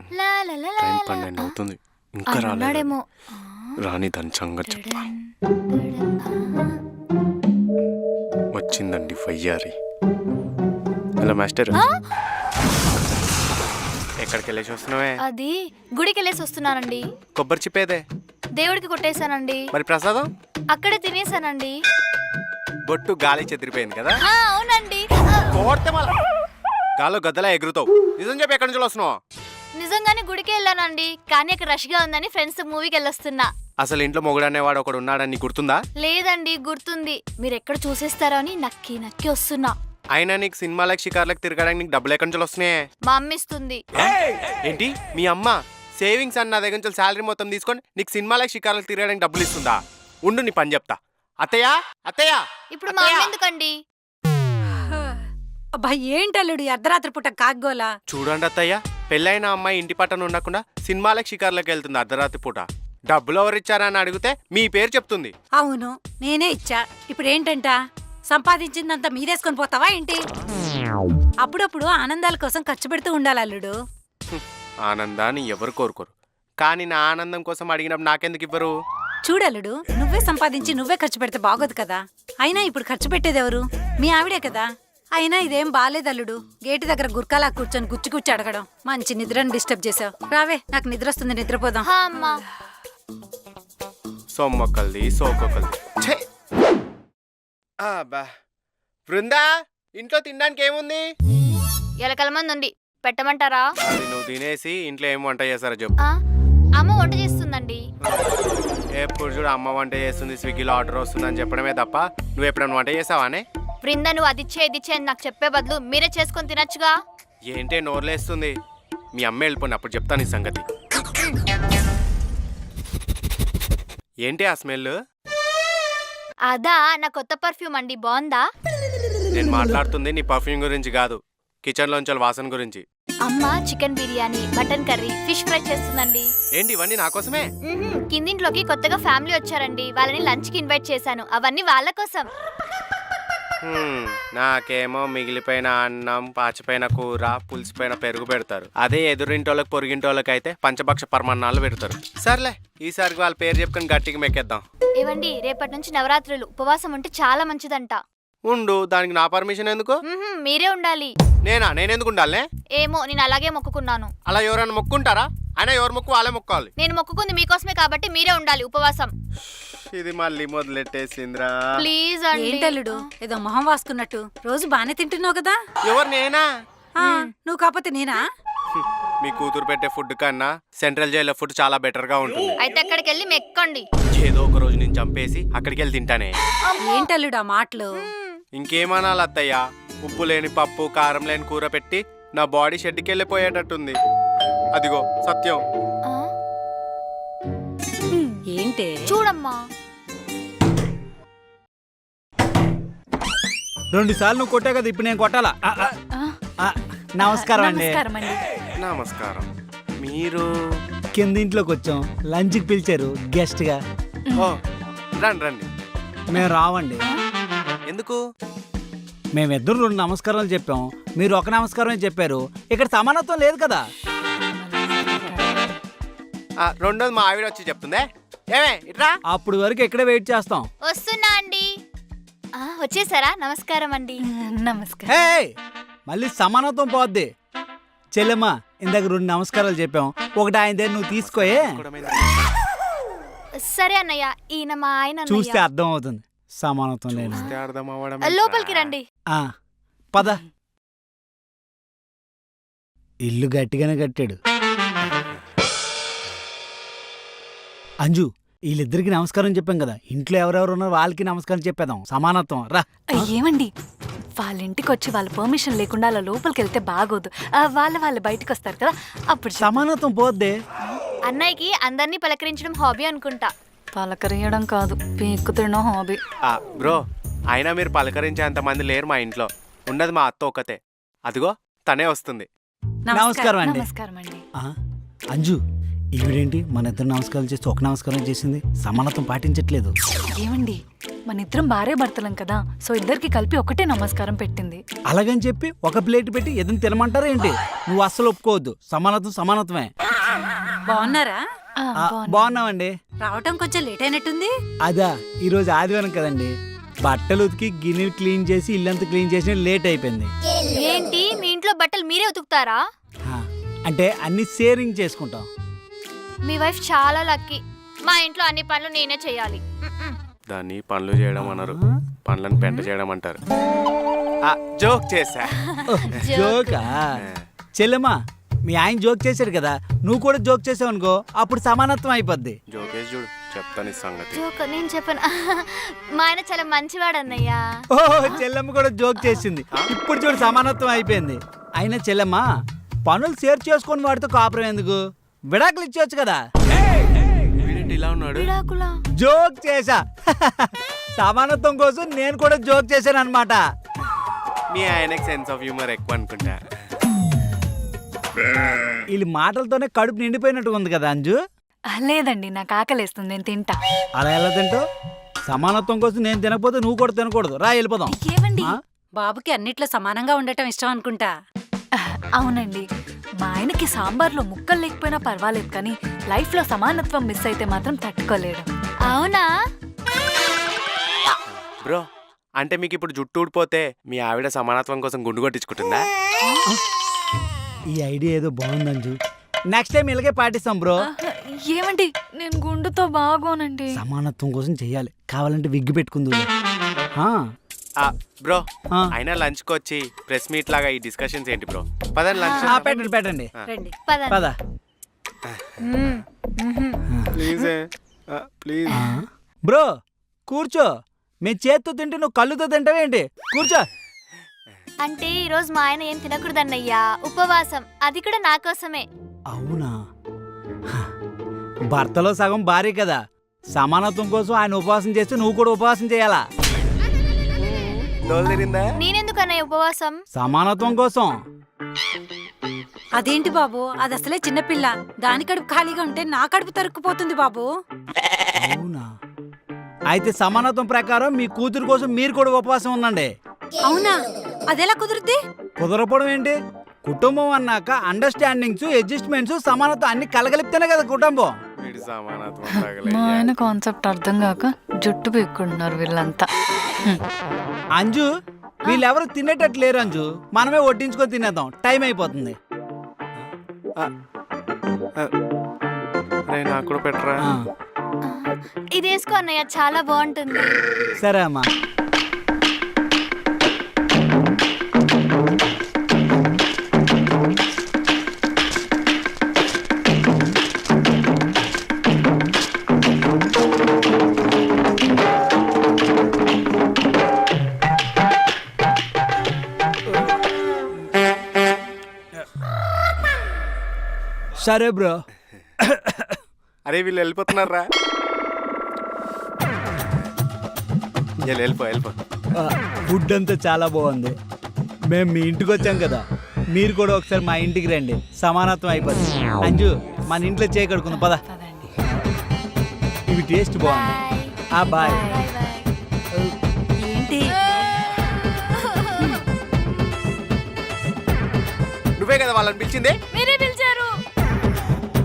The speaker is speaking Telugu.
టైం 12 అవుతుంది, ఇంకా రాలేదేమో. రాని దాని సంగతి చెప్పా. వచ్చిందండి వయ్యారి. హలో మాస్టర్, ఎక్కడికి వెళ్ళేసి వస్తున్నావే? అది గుడికి వెళ్ళేసి వస్తున్నానండి. కొబ్బరి చిప్పేదే? దేవుడికి కొట్టేశానండి. మరి ప్రసాదం? అక్కడే తినేసానండి. బొట్టు గాలి చెదిరిపోయింది కదా? అవునండి. కోడితే మళ్ళా గాల్లో గద్దలా ఎగురుతావు. నిజం చెప్పి ఎక్కడి నుంచి వస్తున్నావు? నిజంగానే గుడికి వెళ్ళానండి, కానీ అక్కడ రష్ గా ఉందని ఫ్రెండ్స్ మూవీకి వెళ్ళొస్తున్నా. అసలు ఇంట్లో మొగుడు అనేవాడు ఒకడు ఉన్నాడని నీకు గుర్తుందా? లేదండి, గుర్తుంది. మీరు ఎక్కడ చూసేస్తారో అని నక్కి నక్కి వస్తున్నా. అయినా నీకు సినిమాలకు షికార్లకు తిరగడానికి నీకు డబ్బులు ఎక్కడి నుంచి వస్తున్నాయి? మా అమ్మ ఇస్తుంది. ఏంటి మీ అమ్మ సేవింగ్స్ అన్న దగ్గర నుంచి శాలరీ మొత్తం తీసుకొని నీకు సినిమాలకు షికార్లకు తిరగడానికి డబ్బులు ఇస్తుందా? ఉండు నీ పని చెప్తా. అత్తయ్య అత్తయ్య. ఇప్పుడు మా అమ్మ ఎందుకండి? అబ్బా ఏంటల్లుడు అర్ధరాత్రి పూట కాగ్గోలా? చూడండి అత్తయ్య, పెళ్ళైన అమ్మాయి ఇంటి పట్టణ ఉండకుండా సినిమాలకు షికార్లకు వెళ్తుంది అర్ధరాత్రి పూట. డబ్బులు ఎవరిచ్చారని అడిగితే మీ పేరు చెప్తుంది. అవును, నేనే ఇచ్చా. ఇప్పుడు ఏంటంట, సంపాదించిందంతా మీదేసుకొని పోతావా ఏంటి? అప్పుడప్పుడు ఆనందాల కోసం ఖర్చు పెడుతూ ఉండాలి అల్లుడు. ఆనందాన్ని ఎవరు కోరుకోరు, కానీ నా ఆనందం కోసం అడిగినప్పుడు నాకెందుకు ఇవ్వరు? చూడల్లుడు, నువ్వే సంపాదించి నువ్వే ఖర్చు పెడితే బాగోదు కదా. అయినా ఇప్పుడు ఖర్చు పెట్టేది ఎవరు? మీ ఆవిడే కదా. అయినా ఇదేం బాలేదల్లుడు, గేటు దగ్గర గుర్కాలా కూర్చొని గుచ్చి గుచ్చి అడగడం. మంచి నిద్రను డిస్టర్బ్ చేసావు. రావే, నాకు నిద్ర వస్తుంది, నిద్రపోదాం. సొమ్మొక్కల్ది సోకొక్కల్ది. బృందా, ఇంట్లో తినడానికి ఏముంది? ఎలకల మంది ఉంది, పెట్టమంటారా? నువ్వు తినేసి ఇంట్లో ఏం వంట చేస్తారో చెప్పు. అమ్మ వంట చేస్తుందండి. ఎప్పుడు చూడు అమ్మ వంట చేస్తుంది, స్విగ్గీలో ఆర్డర్ వస్తుందని చెప్పడమే తప్ప నువ్వు ఎప్పుడైనా వంట చేసావానే? బృంద, నువ్వు అది ఇచ్చే అని నాకు చెప్పే బదులు మీరే చేసుకొని తినచ్చుగా. ఏంటే నోర్లేస్తుంది? మీ అమ్మ వెళ్ళిపోయిన అప్పుడు చెప్తాను ఈ సంగతి. ఏంటి ఆ స్మెల్? అదా నా కొత్త పర్ఫ్యూమ్ అండి, బాగుందా? నేను మాట్లాడుతుంది నీ పర్ఫ్యూమ్ గురించి కాదు, కిచెన్ లోంచి వాసన గురించి. అమ్మ chicken biryani, mutton curry, fish fry చేస్తుందండి. ఏంటి ఇవన్నీ నా కోసమే? కిందింట్లోకి కొత్తగా ఫ్యామిలీ వచ్చారండి, వాళ్ళని లంచ్ కి ఇన్వైట్ చేశాను. అవన్నీ వాళ్ళ కోసం. నాకేమో మిగిలిపోయిన అన్నం, పాచిపోయిన కూర, పులిసిపోయిన పెరుగు పెడతారు. అదే ఎదురింటోళ్ళకి పొరిగింటోళ్ళకి అయితే పంచభక్ష పరమాన్నాలు పెడతారు. సర్లే, ఈసారికి వాళ్ళ పేరు చెప్పుకొని గట్టిగా మెక్కేద్దాం. ఏవండి, రేపటి నుంచి నవరాత్రులు, ఉపవాసం ఉంటే చాలా మంచిదంట. ఉండు, దానికి నా పర్మిషన్ ఎందుకు? మీరే ఉండాలి. నేనెందుకు ఉండాలే? ఏమో, నేను అలాగే మొక్కుకున్నాను. అలా ఎవరైనా మొక్కుంటారా? అయినా ఎవరు మొక్కు వాళ్ళే మొక్కాలి. నేను మొక్కుకుంది మీకోసమే కాబట్టి మీరే ఉండాలి ఉపవాసం. ఇది మళ్ళీ మొదలెట్టేసింద్రా. ప్లీజ్ అండి. ఏంటల్లుడు, ఏదో మొహం వాసుకున్నట్టు? రోజు బానే తింటున్నావు కదా. ఎవరు? నేనా? నువ్వు కాకపోతే నేనా? మీ కూతురు పెట్టే ఫుడ్ కన్నా సెంట్రల్ జైల్లో ఫుడ్ చాలా బెటర్ గా ఉంటుంది. అయితే అక్కడికి వెళ్ళి మెక్కండి. ఏదో ఒక రోజు నేను చంపేసి అక్కడికి వెళ్ళి తింటానే. ఏంటల్లుడు ఆ మాటలు? ఇంకేమనాలి అత్తయ్య, ఉప్పు లేని పప్పు, కారం లేని కూర పెట్టి నా బాడీ షెడ్కి వెళ్ళిపోయేటట్టుంది. అదిగో సత్యం. ఏంటే? చూడమ్మా, 2 సార్లు నువ్వు కొట్టావు కదా, ఇప్పుడు నేను కొట్టాలా? నమస్కారం అండి. నమస్కారం. మీరు కిందింట్లోకి వచ్చాం, లంచ్కి పిలిచారు గెస్ట్ గా. రండి రండి. మేము రావండి. ఎందుకు? మేమిద్దరు 2 నమస్కారాలు చెప్పాం, మీరు ఒక నమస్కారమే చెప్పారు. ఇక్కడ సమానత్వం లేదు కదా. రెండోది మా ఆవిడ వచ్చి చెప్తుందే. ఏమే ఇట్రా. అప్పుడు వరకు ఇక్కడే వెయిట్ చేస్తాం. వస్తున్నా అండి. వచ్చేసారా? నమస్కారం అండి. నమస్కారం. హే, మళ్ళీ సమానత్వం పోద్ది. చెల్లెమ్మా, ఇందాక 2 నమస్కారాలు చెప్పాం, ఒకటి ఆయన దగ్గర నువ్వు తీసుకోయే. సరే అన్నయ్య, ఈయన మా ఆయన. చూస్తే అర్థం అవుతుంది సమానత్వం లేదు. లోపలికి రండి. పద. ఇల్లు గట్టిగానే కట్టాడు. అంజు, వీళ్ళిద్దరికి నమస్కారం చెప్పాం కదా, ఇంట్లో ఎవరెవరు ఉన్నారో వాళ్ళకి నమస్కారం చెప్పేద్దాం. సమానత్వం రా. ఏమండి, వాళ్ళ ఇంటికి వచ్చి వాళ్ళ పర్మిషన్ లేకుండా అలా లోపలికి వెళ్తే బాగోదు. వాళ్ళు బయటకు వస్తారు కదా, అప్పుడు సమానత్వం పోద్దే. అన్నయ్యకి అందరినీ పలకరించడం హాబీ అనుకుంటా. పలకరియడం కాదు, పీక్కు తినడం హాబీ. బ్రో, అయినా మీరు పలకరించేంత మంది లేరు మా ఇంట్లో. ఉన్నది మా అత్త ఒకతే. అదిగో తనే వస్తుంది. నమస్కారం అండి. నమస్కారం అండి. అంజు, ఈవిడేంటి మన ఇద్దరు నమస్కారం చేస్తే ఒక నమస్కారం చేసింది? సమానత్వం పాటించట్లేదు. ఏమండి, మన ఇద్దరం భార్య భర్తలం కదా, సో ఇద్దరికి కలిపి ఒకటే నమస్కారం పెట్టింది. అలాగని చెప్పి ఒక ప్లేట్ పెట్టి ఎదురు తినమంటారా ఏంటి? నువ్వు అస్సలు ఒప్పుకోవద్దు. సమానత్వం సమానత్వమే. బాగున్నారా? ఆ, ఆ, బాగున్నా. బాగున్నామండి. రావటం కొంచెం లేట్ అయినట్టుంది. అదా ఈరోజు ఆదివారం కదండి, బట్టలు ఉతికి గిన్నెలు క్లీన్ చేసి ఇల్లంతా క్లీన్ చేసి లేట్ అయిపోయింది. ఏంటి మీ ఇంట్లో బట్టలు మీరే ఉతుకుతారా? ఆ, అంటే అన్ని షేరింగ్ చేసుకుంటాం. మీ వైఫ్ చాలా లక్కీ. మా ఇంట్లో అన్ని పనులు నేనే చేయాలి. దాన్ని పనులు చేయడం అనరు, పనులను పెంట చేయడం అంటారు. జోక్ చేశా. జోకా? చెల్లెమ్మా, మీ ఆయన జోక్ చేశారు కదా, నువ్వు కూడా జోక్ చేసావు అనుకో, అప్పుడు సమానత్వం అయిపోద్ది. జోకేసి చూడు, చెప్తాను ఈ సంగతి. జోక్ నేను చెప్పను. మా ఆయన చాలా మంచివాడు అన్నయ్య. ఓ, చెల్లెమ్మ కూడా జోక్ చేసింది. ఇప్పుడు చూడు సమానత్వం అయిపోయింది. అయినా చెల్లెమ్మ, పనులు షేర్ చేసుకొని వాడితో కాపురం ఎందుకు? విడాకులు ఇచ్చేవచ్చు కదా. వీడేంటి ఇలా ఉన్నాడు? విడాకులా? జోక్ చేశా. సమానత్వం కోసం నేను కూడా జోక్ చేశాను అనమాట. మీ ఆయనకి సెన్స్ ఆఫ్ హ్యూమర్ ఎక్కువ అనుకుంటా. వీళ్ళ మాటలతోనే కడుపు నిండిపోయినట్టు ఉంది కదా అంజు. లేదండి, నాకు ఆకలేస్తుంది, నేను తింటా. అలా ఎలా తింటావు? సమానత్వం కోసం నేను తినకపోతే నువ్వు కూడా తినకూడదు. రా వెళ్ళిపోదాం. ఏమండి? ఆ? బాబుకి అన్నిట్లో సమానంగా ఉండటం ఇష్టం అనుకుంటా. అవునండి, మా ఆయనకి సాంబార్లో ముక్కలు లేకపోయినా పర్వాలేదు, కానీ లైఫ్లో సమానత్వం మిస్ అయితే మాత్రం తట్టుకోలేడు. అవునా? బ్రో, అంటే మీకు ఇప్పుడు జుట్టు ఊడిపోతే మీ ఆవిడ సమానత్వం కోసం గుండు కొట్టించుకుంటుందా? ఈ ఐడియా ఏదో బాగుంది అంజు. నెక్స్ట్ టైం ఇలాగే పాటిస్తాం బ్రో. ఏమండి, నేను గుండుతో బాగోనండి. సమానత్వం కోసం చెయ్యాలి. కావాలంటే విగ్గు పెట్టుకుందు. బ్రో, ఆ. అయినా లంచ్కి వచ్చి ప్రెస్ మీట్ లాగా ఈ డిస్కషన్స్ ఏంటి బ్రో? పదండి లంచ్. పెట్టండి పెట్టండి. రండి. పదండి. పద. Please please. బ్రో కూర్చో. మేము చేత్తో తింటే నువ్వు కళ్ళుతో తింటావేంటి? కూర్చో. అంటే ఈరోజు మా ఆయన ఏం తినకూడదన్నయ్యా, ఉపవాసం. అది కూడా నా కోసమే. అవునా? భర్తలో సగం భార్య కదా, సమానత్వం కోసం ఆయన ఉపవాసం చేస్తే నువ్వు కూడా ఉపవాసం చేయాలా? దోలు తిరిందా? నేనెందుకు అన్నయ్య ఉపవాసం? సమానత్వం కోసం. అదేంటి బాబు, అది అసలే చిన్నపిల్ల. దాని కడుపు ఖాళీగా ఉంటే నా కడుపు తరుక్కుపోతుంది బాబు. అవునా? అయితే సమానత్వం ప్రకారం మీ కూతురు కోసం మీరు కూడా ఉపవాసం ఉండండి. అవునా? అదెలా కుదురుద్ది? కుదరపోవడం ఏంటి? కుటుంబం అన్నాక అండర్స్టాండింగ్స్, అడ్జస్ట్మెంట్స్, సమానత్వం అన్ని కలగలిపితేనే కదా కుటుంబం. వీడి సమానత్వం మా తగలయ్యా. ఆయన కాన్సెప్ట్ అర్థం కాక జుట్టు పీక్కుంటున్నారు వీళ్ళంతా. అంజు, వీళ్ళెవరు తినేటట్టు లేరు అంజు. మనమే వడ్డించుకొని తినేద్దాం, టైం అయిపోతుంది. రేయ్, నాకు కూడా పెట్టరా. ఆ, ఇది వేసుకో అన్నయ్య, చాలా బాగుంటుంది. సరే అమ్మా. సరే బ్రో. అరే వీళ్ళు వెళ్ళిపోతున్నారా? వెళ్ళిపో. ఫుడ్ అంతా చాలా బాగుంది. మేము మీ ఇంటికి వచ్చాం కదా, మీరు కూడా ఒకసారి మా ఇంటికి రండి. సమానత్వం అయిపోతుంది. అంజు, మన ఇంట్లో చేయకడుకుందాం పద. పదండి. ఇవి టేస్ట్ బాగుంది. బాయ్. బాయ్. Bye bye. ఏంటి? నువ్వే కదా వాళ్ళని పిలిచింది?